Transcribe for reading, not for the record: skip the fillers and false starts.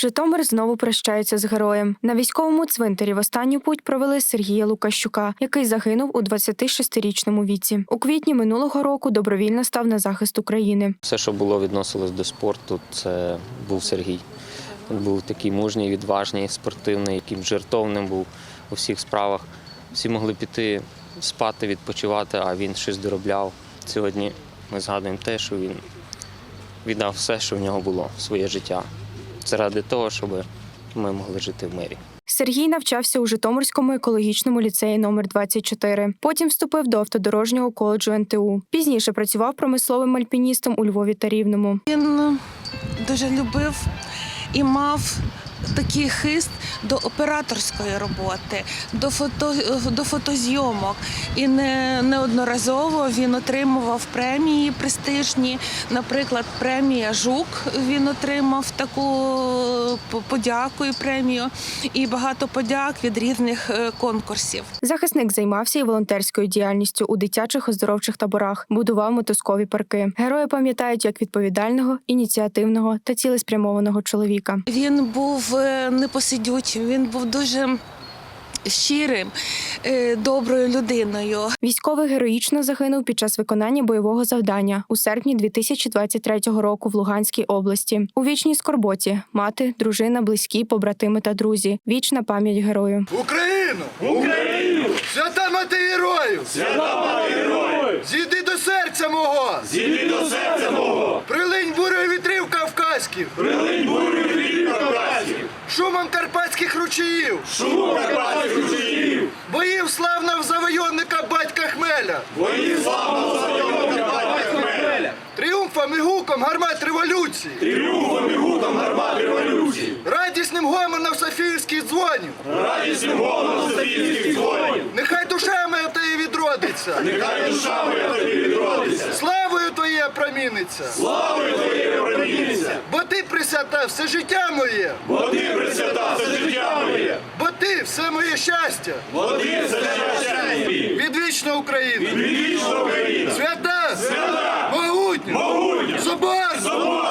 Житомир знову прощається з героєм. На військовому цвинтарі в останню путь провели Сергія Лукащука, який загинув у 26-річному віці. У квітні минулого року добровільно став на захист України. Все, що було відносилось до спорту, це був Сергій. Він був такий мужній, відважний, спортивний, яким жертовним був у всіх справах. Всі могли піти спати, відпочивати, а він щось доробляв. Сьогодні ми згадуємо те, що він віддав все, що в нього було, своє життя. Заради того, щоб ми могли жити в мирі. Сергій навчався у Житомирському екологічному ліцеї номер 24. Потім вступив до автодорожнього коледжу НТУ. Пізніше працював промисловим альпіністом у Львові та Рівному. Він дуже любив і мав такий хист до операторської роботи, до фотозйомок. І неодноразово він отримував премії престижні. Наприклад, премія «Жук» він отримав таку подяку і премію. І багато подяк від різних конкурсів. Захисник займався і волонтерською діяльністю у дитячих оздоровчих таборах, будував мотузкові парки. Герої пам'ятають як відповідального, ініціативного та цілеспрямованого чоловіка. Він був непосидючим, він був дуже щирим, доброю людиною. Військовий героїчно загинув під час виконання бойового завдання у серпні 2023 року в Луганській області. У вічній скорботі – мати, дружина, близькі, побратими та друзі. Вічна пам'ять герою. Україну! Україну! Свята мати героїв! Свята мати героїв! Зійди до серця мого! Зійди до серця мого! Прилинь бурою вітрів кавказьких! Прилинь бурою вітрів кавказьких! Шумом карпатських ручаїв! Шумом карпатських ручаїв! Боїв славного завойовника батька Хмеля! Боїв славного завойовника батька Хмеля! Тріумфом і гуком гармат революції! Тріумфом і гуком гармат революції! Радісним гомоном софіївських дзвонів! Радісним гомоном софіївських дзвонів! Нехай душа моя тобі відродиться! Нехай душа моя тобі відродиться! Славою твоє проміниться! Славою твоє проміниться! Бо ти присвята все життя моє! Бо ти присвята все життя моє! Бо ти все моє щастя! Бо ти все щастя моє! Відвічна Україна! Відвічна Україна! Свята! Свята! Могутня! Могутня! Соборна!